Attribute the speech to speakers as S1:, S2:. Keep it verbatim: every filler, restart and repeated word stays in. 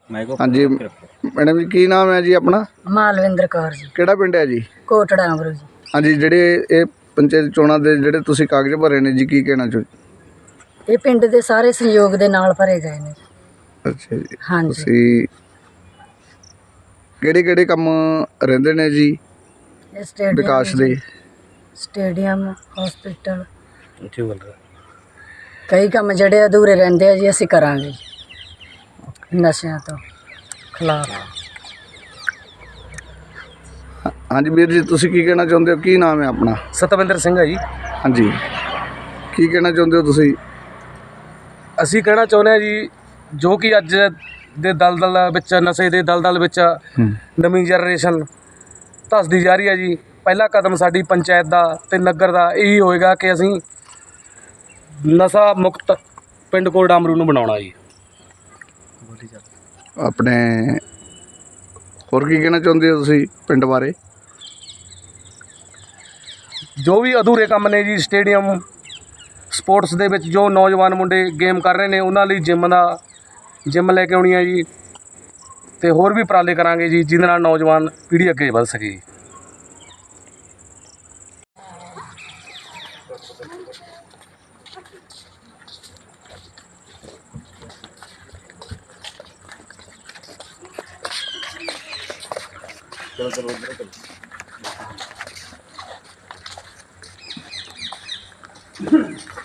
S1: हाँ जी मैडम जी की नाम है जी अपना?
S2: मालविंदर कौर जी।
S1: किहड़ा पिंड है जी?
S2: कोटड़ा अमरू जी।
S1: हाँ जी ਜਿਹੜੇ ਇਹ ਪੰਚਾਇਤ ਚੋਣਾਂ ਦੇ ਜਿਹੜੇ ਤੁਸੀਂ ਕਾਗਜ਼ ਭਰੇ ਨੇ ਜੀ ਕੀ ਕਹਿਣਾ ਚਾਹੋ?
S2: ਇਹ ਪਿੰਡ ਦੇ ਸਾਰੇ ਸਹਿਯੋਗ ਦੇ ਨਾਲ ਭਰੇ ਗਏ ਨੇ।
S1: ਅੱਛਾ ਜੀ
S2: ਹਾਂਜੀ।
S1: ਤੁਸੀਂ ਕਿਹੜੇ ਕਿਹੜੇ ਕੰਮ ਰਹਿੰਦੇ ਨੇ ਜੀ
S2: ਇਹ ਸਟੇਡੀਅਮ
S1: ਵਿਕਾਸ ਦੇ?
S2: ਸਟੇਡੀਅਮ ਹਸਪੀਟਲ ਕਈ ਕੰਮ ਜਿਹੜੇ ਅਧੂਰੇ ਰਹਿੰਦੇ ਆ ਜੀ ਅਸੀਂ ਕਰਾਂਗੇ ਨਸ਼ਿਆਂ ਤੋਂ ਖਿਲਾਫ।
S1: हाँ जी वीर जी तुसी की कहना चाहते हो? की नाम है अपना?
S3: सतविंदर सिंह है जी।
S1: हाँ जी की कहना चाहते हो तुसी?
S3: ਅਸੀਂ ਕਹਿਣਾ ਚਾਹੁੰਦੇ ਹਾਂ ਜੀ ਜੋ ਕਿ ਅੱਜ ਦੇ ਦਲਦਲ ਵਿੱਚ ਨਸ਼ੇ ਦੇ ਦਲਦਲ ਵਿੱਚ ਨਵੀਂ ਜਨਰੇਸ਼ਨ ਧੱਸਦੀ ਜਾ ਰਹੀ ਹੈ ਜੀ। ਪਹਿਲਾ ਕਦਮ ਸਾਡੀ ਪੰਚਾਇਤ ਦਾ ਤੇ ਨਗਰ ਦਾ ਇਹੀ ਹੋਏਗਾ ਕਿ ਅਸੀਂ ਨਸ਼ਾ ਮੁਕਤ ਪਿੰਡ ਕੋਟੜਾ ਅਮਰੂ ਨੂੰ ਬਣਾਉਣਾ ਜੀ।
S1: अपने होर की कहना चाहते हो तुसी पिंड बारे?
S3: ਜੋ ਵੀ ਅਧੂਰੇ ਕੰਮ ਨੇ ਜੀ ਸਟੇਡੀਅਮ ਸਪੋਰਟਸ ਦੇ ਵਿੱਚ ਜੋ ਨੌਜਵਾਨ ਮੁੰਡੇ ਗੇਮ ਕਰ ਰਹੇ ਨੇ ਉਹਨਾਂ ਲਈ ਜਿਮ ਦਾ ਜਿਮ ਲੈ ਕੇ ਆਉਣੀ ਹੈ ਜੀ ਤੇ ਹੋਰ ਵੀ ਉਪਰਾਲੇ ਕਰਾਂਗੇ ਜੀ ਜਿਹਦੇ ਨਾਲ ਨੌਜਵਾਨ ਪੀੜ੍ਹੀ ਅੱਗੇ ਵੱਧ ਸਕੇ ਜੀ। चलो चलो उधर चलो।